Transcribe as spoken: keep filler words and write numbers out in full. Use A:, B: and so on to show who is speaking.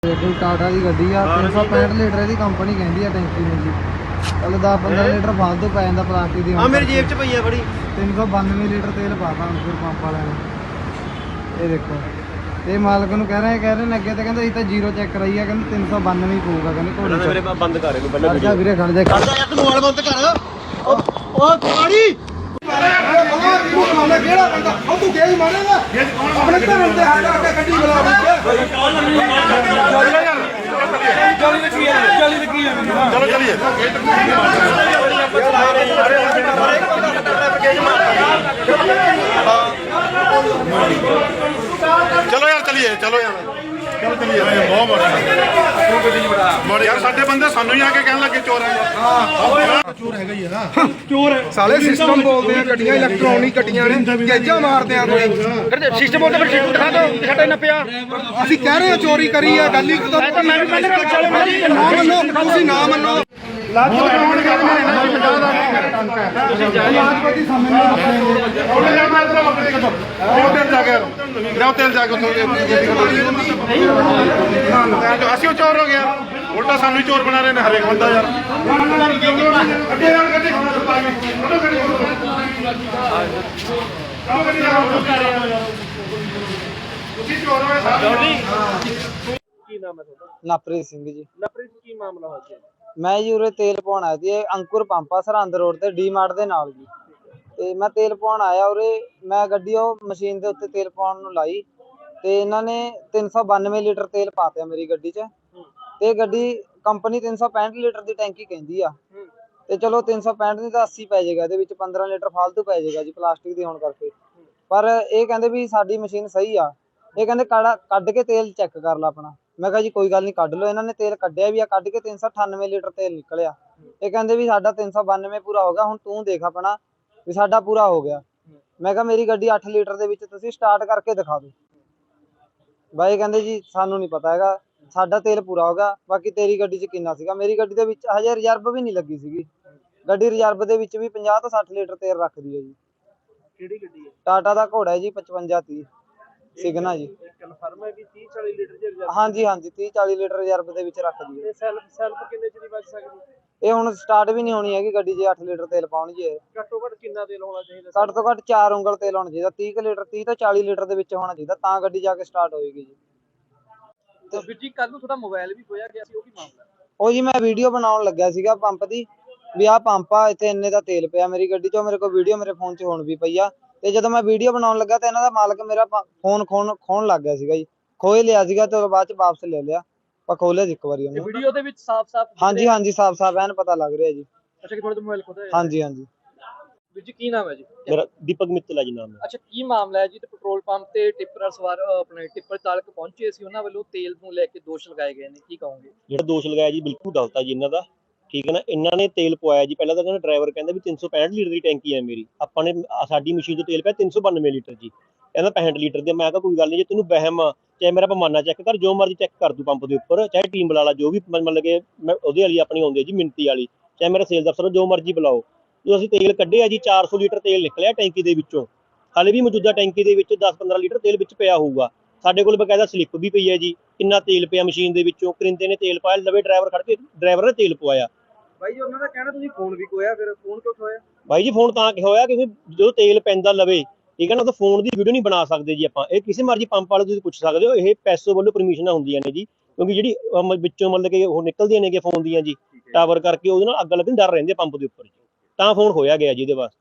A: कोई टाटा की गड्डी आ तीन सौ पैंठ लीटर की कंपनी कहती है टैंकी में जी। चलो दस पंद्रह लीटर फालतू पै जाता प्लास्टिक की।
B: मेरी जेब च पई है बड़ी।
A: तीन सौ बानवे लीटर तेल पाता अंकुर पंप वाले ने। ये देखो ये मालक ਨੂੰ कह रहे कह रहे ने अगे तो कहते इतना जीरो चेक कराई है कहते तीन सौ बानवे ही पऊगा कहते घोड़ी
B: मेरे बंद कर
A: खड़ जा वीरे खड़ जा
B: खड़ जा यार तू मोबाइल बंद कर ओ ओ गाड़ी
C: ਕਿਹੜਾ ਬੰਦਾ ਉਹ ਤੂੰ ਗੇਜ ਮਾਰੇਗਾ ਆਪਣੇ ਧਰਮ ਤੇ ਹੱਥ ਰੱਖ ਕੇ ਗੱਡੀ ਬੁਲਾ ਚਲੋ ਚਲੀਏ ਚਲੋ ਚਲੀਏ ਚਲੋ ਯਾਰ ਚਲੀਏ ਚਲੋ ਯਾਰ ਚਲੋ ਚਲੀਏ ਬਹੁਤ ਬੜਾ ਮੋੜ ਯਾਰ ਸਾਡੇ ਬੰਦੇ ਸਾਨੂੰ ਹੀ ਆ ਕੇ ਕਹਿਣ ਲੱਗੇ ਚੋਰ ਆ ਯਾਰ ਹਾਂ ਚੋਰ ਹੈਗਾ ਹੀ ਹੈ ਨਾ ਚੋਰ ਸਾਲੇ ਸਿਸਟਮ ਬੋਲਦੇ ਆ ਗੱਡੀਆਂ ਇਲੈਕਟ੍ਰੋਨਿਕ ਗੱਡੀਆਂ ਨੇ ਗੇਜਾਂ ਮਾਰਦੇ ਆ ਕੋਈ ਸਿਸਟਮ ਬੋਲਦੇ ਫਿਰ ਸਿਸਟਮ ਦਿਖਾ ਦਿਓ ਸਾਡਾ ਇਹਨਾਂ ਪਿਆ ਅਸੀਂ ਕਹਿ ਰਹੇ ਆ ਚੋਰੀ ਕਰੀ ਆ ਗੱਲ ਹੀ ਤਾਂ ਮੈਂ ਵੀ ਪਹਿਲੇ ਨਾ ਮੰਨੋ ਤੁਸੀਂ ਨਾ ਮੰਨੋ ਲਾਜ ਕਰਾਉਣ ਕਹਿੰਦੇ ਨੇ ਨਾ ਪੰਜਾਹ ਦਾ ਤੁਸੀਂ ਲਾਜਪਤੀ ਸਾਹਮਣੇ ਉਹਨੇ ਯਾਰ ਮੈਂ ਤੇਰਾ ਬੱਕਰੀ ਕੱਢੋ ਉਹ ਤੇਲ ਜਾ ਕੇ ਲਿਆਓ ਤੇਲ ਜਾ ਕੇ ਉੱਥੋਂ ਅਸੀਂ ਉਹ ਚੋਰ ਹੋ ਗਿਆ ਉਲਟਾ ਸਾਨੂੰ ਹੀ ਚੋਰ ਬਣਾ ਰਹੇ ਨੇ ਹਰੇਕ ਬੰਦਾ ਯਾਰ ਅੱਗੇ ਯਾਰ ਗੱਡੀ ਤੁਸੀਂ ਚੋਰ ਹੋਏ ਸਾਰੇ
B: ਕੀ ਨਾਮ ਹੈ ਤੁਹਾਡਾ?
A: ਨਵਪ੍ਰੀਤ ਸਿੰਘ ਜੀ।
B: ਨਵਪ੍ਰੀਤ ਕੀ ਮਾਮਲਾ ਹੋ ਗਿਆ?
A: ਮੈਂ ਜੀ ਉਰੇ ਤੇਲ ਪਾਉਣ ਆਇਆ ਸੀ। ਇਹ ਅੰਕੁਰ ਪੰਪ ਆ ਸਰਹੰਦ ਰੋਡ ਤੇ ਡੀ ਮਾਰਟ ਦੇ ਨਾਲ ਜੀ। ਤੇ ਮੈਂ ਤੇਲ ਪਾਉਣ ਆਇਆ ਉਰੇ ਮੈਂ ਗੱਡੀ ਉਹ ਮਸ਼ੀਨ ਦੇ ਉੱਤੇ ਤੇਲ ਪਾਉਣ ਨੂੰ ਲਾਈ ਤੇ ਇਹਨਾਂ ਨੇ ਤਿੰਨ ਸੌ ਬਾਨਵੇਂ ਲੀਟਰ ਤੇਲ ਪਾਤਿਆ ਮੇਰੀ ਗੱਡੀ 'ਚ। ਤੇ ਗੱਡੀ ਕੰਪਨੀ ਤਿੰਨ ਸੌ ਪੈਂਹਠ ਲੀਟਰ ਦੀ ਟੈਂਕੀ ਕਹਿੰਦੀ ਆ ਤੇ ਚਲੋ ਤਿੰਨ ਸੌ ਪੈਂਹਠ ਦੀ ਤਾਂ ਅੱਸੀ ਪੈ ਜਾਏਗਾ, ਇਹਦੇ ਵਿੱਚ ਪੰਦਰਾਂ ਲੀਟਰ ਫਾਲਤੂ ਪੈ ਜਾਏਗਾ ਜੀ ਪਲਾਸਟਿਕ ਦੀ ਹੋਣ ਕਰਕੇ। ਪਰ ਇਹ ਕਹਿੰਦੇ ਵੀ ਸਾਡੀ ਮਸ਼ੀਨ ਸਹੀ ਆ। ਇਹ ਕਹਿੰਦੇ ਕਾੜਾ ਕੱਢ ਕੇ ਤੇਲ ਚੈੱਕ ਕਰ ਲਾ ਆਪਣਾ। ਮੈਂ ਕਿਹਾ ਜੀ ਕੋਈ ਗੱਲ ਨਹੀਂ ਕੱਢ ਲਓ। ਇਹਨਾਂ ਨੇ ਤੇਲ ਕੱਢਿਆ ਵੀ ਆ, ਕੱਢ ਕੇ ਤਿੰਨ ਸੌ ਅਠਾਨਵੇਂ ਲੀਟਰ ਤੇਲ ਨਿਕਲਿਆ। ਇਹ ਕਹਿੰਦੇ ਵੀ ਸਾਡਾ ਤਿੰਨ ਸੌ ਬਾਨਵੇਂ ਪੂਰਾ ਹੋ ਗਿਆ, ਹੁਣ ਤੂੰ ਦੇਖ ਆਪਣਾ ਵੀ ਸਾਡਾ ਪੂਰਾ ਹੋ ਗਿਆ। ਮੈਂ ਕਿਹਾ ਮੇਰੀ ਗੱਡੀ ਅੱਠ ਲੀਟਰ ਦੇ ਵਿੱਚ ਤੁਸੀਂ ਸਟਾਰਟ ਕਰਕੇ ਦਿਖਾ ਦਿਓ। ਬਾਈ ਕਹਿੰਦੇ ਜੀ ਸਾਨੂੰ ਨਹੀਂ ਪਤਾ ਹੈਗਾ, ਸਾਡਾ ਤੇਲ ਪੂਰਾ ਹੋ ਗਿਆ, ਬਾਕੀ ਤੇਰੀ ਗੱਡੀ 'ਚ ਕਿੰਨਾ ਸੀਗਾ। ਮੇਰੀ ਗੱਡੀ ਦੇ ਵਿੱਚ ਹਜੇ ਰਿਜ਼ਰਵ ਵੀ ਨਹੀਂ ਲੱਗੀ ਸੀਗੀ। ਗੱਡੀ ਰਿਜ਼ਰਵ ਦੇ ਵਿੱਚ ਵੀ ਪੰਜਾਹ ਤੋਂ ਸੱਠ ਲੀਟਰ ਤੇਲ ਰੱਖਦੀ ਹੈ ਜੀ।
B: ਕਿਹੜੀ ਗੱਡੀ ਹੈ?
A: ਟਾਟਾ ਦਾ ਘੋੜਾ ਹੈ ਜੀ ਪਚਵੰਜਾ ਤੀਹ ਸਿਗਨਾ ਜੀ।
B: ਕਨਫਰਮ ਹੈ ਕਿ ਤੀਹ ਚਾਲੀ ਲੀਟਰ ਦੀ ਰਿਜ਼ਰਵ?
A: ਹਾਂਜੀ ਹਾਂਜੀ ਤੀਹ ਚਾਲੀ ਲੀਟਰ ਰਿਜ਼ਰਵ ਦੇ ਵਿੱਚ ਰੱਖਦੀ ਹੈ।
B: ਸੈਲਫ ਸੈਲਫ ਕਿੰਨੇ ਚ ਦੀ ਬਚ ਸਕਦੀ?
A: ਇਹ ਹੁਣ ਸਟਾਰਟ ਵੀ ਨਹੀਂ ਹੋਣੀ ਹੈਗੀ ਗੱਡੀ ਜੇ ਅੱਠ ਲੀਟਰ ਤੇਲ ਪਾਉਣ ਜੀ।
B: ਘੱਟੋ ਘੱਟ ਕਿੰਨਾ ਤੇਲ ਹੋਣਾ ਚਾਹੀਦਾ?
A: ਘੱਟ ਤੋਂ ਘੱਟ ਚਾਰ ਉਂਗਲ ਤੇਲ ਹੋਣਾ ਚਾਹੀਦਾ। ਤੀਹ ਲੀਟਰ ਤੀਹ ਤੋਂ ਚਾਲੀ ਲੀਟਰ ਦੇ ਵਿੱਚ ਹੋਣਾ ਚਾਹੀਦਾ, ਤਾਂ ਗੱਡੀ ਜਾ ਕੇ ਸਟਾਰਟ ਹੋਏਗੀ ਜੀ।
B: ਤੇ ਵੀਰ ਜੀ ਕੱਲ ਨੂੰ ਤੁਹਾਡਾ ਮੋਬਾਈਲ ਵੀ ਖੋਇਆ ਗਿਆ ਸੀ, ਉਹ ਕੀ ਮਾਮਲਾ?
A: ਉਹ ਜੀ ਮੈਂ ਵੀਡੀਓ ਬਣਾਉਣ ਲੱਗਿਆ ਸੀਗਾ ਪੰਪ ਦੀ ਵੀ ਆਹ ਪੰਪ ਆ ਇੱਥੇ ਇੰਨੇ ਦਾ ਤੇਲ ਪਿਆ ਮੇਰੀ ਗੱਡੀ 'ਚ। ਮੇਰੇ ਕੋਲ ਵੀਡੀਓ ਮੇਰੇ ਫੋਨ 'ਚ ਹੁਣ ਵੀ ਪਈ ਆ। ਤੇ ਜਦੋਂ ਮੈਂ ਵੀਡੀਓ ਬਣਾਉਣ ਲੱਗਾ ਤਾਂ ਇਹਨਾਂ ਦਾ ਮਾਲਕ ਮੇਰਾ ਫੋਨ ਖੋਣ ਖੋਣ ਲੱਗ ਗਿਆ ਸੀਗਾ ਜੀ। ਖੋਏ ਲਿਆ ਸੀਗਾ ਤੇ ਬਾਅਦ 'ਚ ਵਾਪਸ ਲੈ ਲਿਆ। ਪਰ ਖੋਲਿਆ ਸੀ ਇੱਕ ਵਾਰੀ ਉਹਨੇ।
B: ਵੀਡੀਓ ਦੇ ਵਿੱਚ ਸਾਫ਼-ਸਾਫ਼
A: ਹਾਂਜੀ ਹਾਂਜੀ ਸਾਫ਼ ਸਾਫ਼ ਐਨ ਪਤਾ ਲੱਗ ਰਿਹਾ ਜੀ।
B: ਅੱਛਾ ਕਿ ਤੁਹਾਡਾ ਮੋਬਾਈਲ ਖੋਦਾ ਹੈ?
A: ਹਾਂਜੀ ਹਾਂਜੀ।
B: ਵੀਰ ਜੀ ਕੀ ਨਾਮ ਹੈ ਜੀ?
D: ਮੇਰਾ ਦੀਪਕ ਮਿੱਤਲ ਹੈ ਜੀ ਨਾਮ ਹੈ।
B: ਅੱਛਾ ਕੀ ਮਾਮਲਾ ਹੈ ਜੀ? ਤੇ ਪੈਟਰੋਲ ਪੰਪ ਤੇ ਟਿੱਪਰ ਸਵਾਰ ਆਪਣੇ ਟਿੱਪਰ ਚਾਲਕ ਪਹੁੰਚੇ ਸੀ, ਉਹਨਾਂ ਵੱਲੋਂ ਤੇਲ ਨੂੰ ਲੈ ਕੇ ਦੋਸ਼ ਲਗਾਏ ਗਏ ਨੇ, ਕੀ ਕਹੋਗੇ?
D: ਜਿਹੜਾ ਦੋਸ਼ ਲਗਾਇਆ ਜੀ ਬਿਲਕੁਲ ਗਲਤ ਆ ਜੀ ਇਹਨਾਂ ਦਾ। ਠੀਕ ਹੈ ਨਾ, ਇਹਨਾਂ ਨੇ ਤੇਲ ਪਵਾਇਆ ਜੀ। ਪਹਿਲਾਂ ਤਾਂ ਕਹਿੰਦਾ ਡਰਾਈਵਰ ਕਹਿੰਦਾ ਵੀ ਤਿੰਨ ਸੌ ਪੈਂਹਠ ਲੀਟਰ ਦੀ ਟੈਂਕੀ ਹੈ ਮੇਰੀ। ਆਪਾਂ ਨੇ ਸਾਡੀ ਮਸ਼ੀਨ 'ਚ ਤੇਲ ਪਿਆ ਤਿੰਨ ਸੌ ਬਾਨਵੇਂ ਲੀਟਰ ਜੀ। ਕਹਿੰਦਾ ਪੈਂਹਠ ਲੀਟਰ ਦੇ। ਮੈਂ ਕਿਹਾ ਕੋਈ ਗੱਲ ਨਹੀਂ, ਜੇ ਤੈਨੂੰ ਵਹਿਮ ਚਾਹੇ ਮੇਰਾ ਪੈਮਾਨਾ ਚੈੱਕ ਕਰ, ਜੋ ਮਰਜ਼ੀ ਚੈੱਕ ਕਰ ਤੂੰ ਪੰਪ ਦੇ ਉੱਪਰ, ਚਾਹੇ ਟੀਮ ਬੁਲਾ ਲਾ, ਜੋ ਵੀ ਮਤਲਬ ਕਿ ਮੈਂ ਉਹਦੇ ਵਾਲੀ ਆਪਣੀ ਆਉਂਦੀ ਹੈ ਜੀ ਮਿੰਤੀ ਵਾਲੀ, ਚਾਹੇ ਮੇਰਾ ਸੇਲਸ ਅਫਸਰ ਜੋ ਮਰਜ਼ੀ ਬੁਲਾਓ। ਜੋ ਅਸੀਂ ਤੇਲ ਕੱਢਿਆ ਜੀ ਚਾਰ ਸੌ ਲੀਟਰ ਤੇਲ ਨਿਕਲਿਆ ਟੈਂਕੀ ਦੇ ਵਿੱਚੋਂ। ਹਾਲੇ ਵੀ ਮੌਜੂਦਾ ਟੈਂਕੀ ਦੇ ਵਿੱਚ ਦਸ ਪੰਦਰਾਂ ਲੀਟਰ ਤੇਲ ਵਿੱਚ ਪਿਆ ਹੋਊਗਾ। ਸਾਡੇ ਕੋਲ ਬਕਾਇਦਾ ਸਲਿੱਪ ਵੀ ਪਈ ਹੈ ਜੀ, ਕਿੰਨਾ ਤੇਲ ਪਿਆ ਮਸ਼ੀਨ ਦੇ ਵਿੱਚੋਂ। ਕਰਿੰਦੇ ਨੇ ਤੇਲ ਪਾਇਆ, ਲਵੇ ਡਰਾਈਵਰ ਖੜ ਕੇ ਡਰਾਈਵਰ ਨੇ ਤੇਲ ਪਵਾਇਆ।
B: ਬਾਈ ਜੀ ਉਹਨਾਂ ਦਾ ਕਹਿਣਾ ਤੁਸੀਂ ਫੋਨ ਵੀ ਖੋਇਆ, ਫਿਰ ਫੋਨ ਕਿਉਂ ਖੋਇਆ?
D: ਬਾਈ ਜੀ ਫੋਨ ਤਾਂ ਕਿ ਹੋਇਆ ਕਿਉਂਕਿ ਜਦੋਂ ਤੇਲ ਪੈਂਦਾ ਲਵੇ, ਠੀਕ ਹੈ ਨਾ, ਤਾਂ ਫੋਨ ਦੀ ਵੀਡੀਓ ਨਹੀਂ ਬਣਾ ਸਕਦੇ ਜੀ ਆਪਾਂ। ਇਹ ਕਿਸੇ ਮਰਜ਼ੀ ਪੰਪ ਵਾਲੇ ਤੁਸੀਂ ਪੁੱਛ ਸਕਦੇ ਹੋ, ਇਹ ਪੈਸੋ ਵੱਲੋਂ ਪਰਮਿਸ਼ਨਾਂ ਹੁੰਦੀਆਂ ਨੇ ਜੀ। ਕਿਉਂਕਿ ਜਿਹੜੀ ਵਿੱਚੋਂ ਮਤਲਬ ਕਿ ਉਹ ਨਿਕਲਦੀਆਂ ਨੇ ਫੋਨ ਦੀਆਂ ਜੀ ਟਾਵਰ ਕਰਕੇ, ਉਹਦੇ ਨਾਲ ਅੱਗ ਲੱਗਣ ਡਰ ਰਹਿੰਦੇ ਪੰਪ ਦੇ ਉੱਪਰ, ਤਾਂ ਫੋਨ ਖੋਇਆ ਗਿਆ ਜੀ ਇਹਦੇ ਵਾਸਤੇ।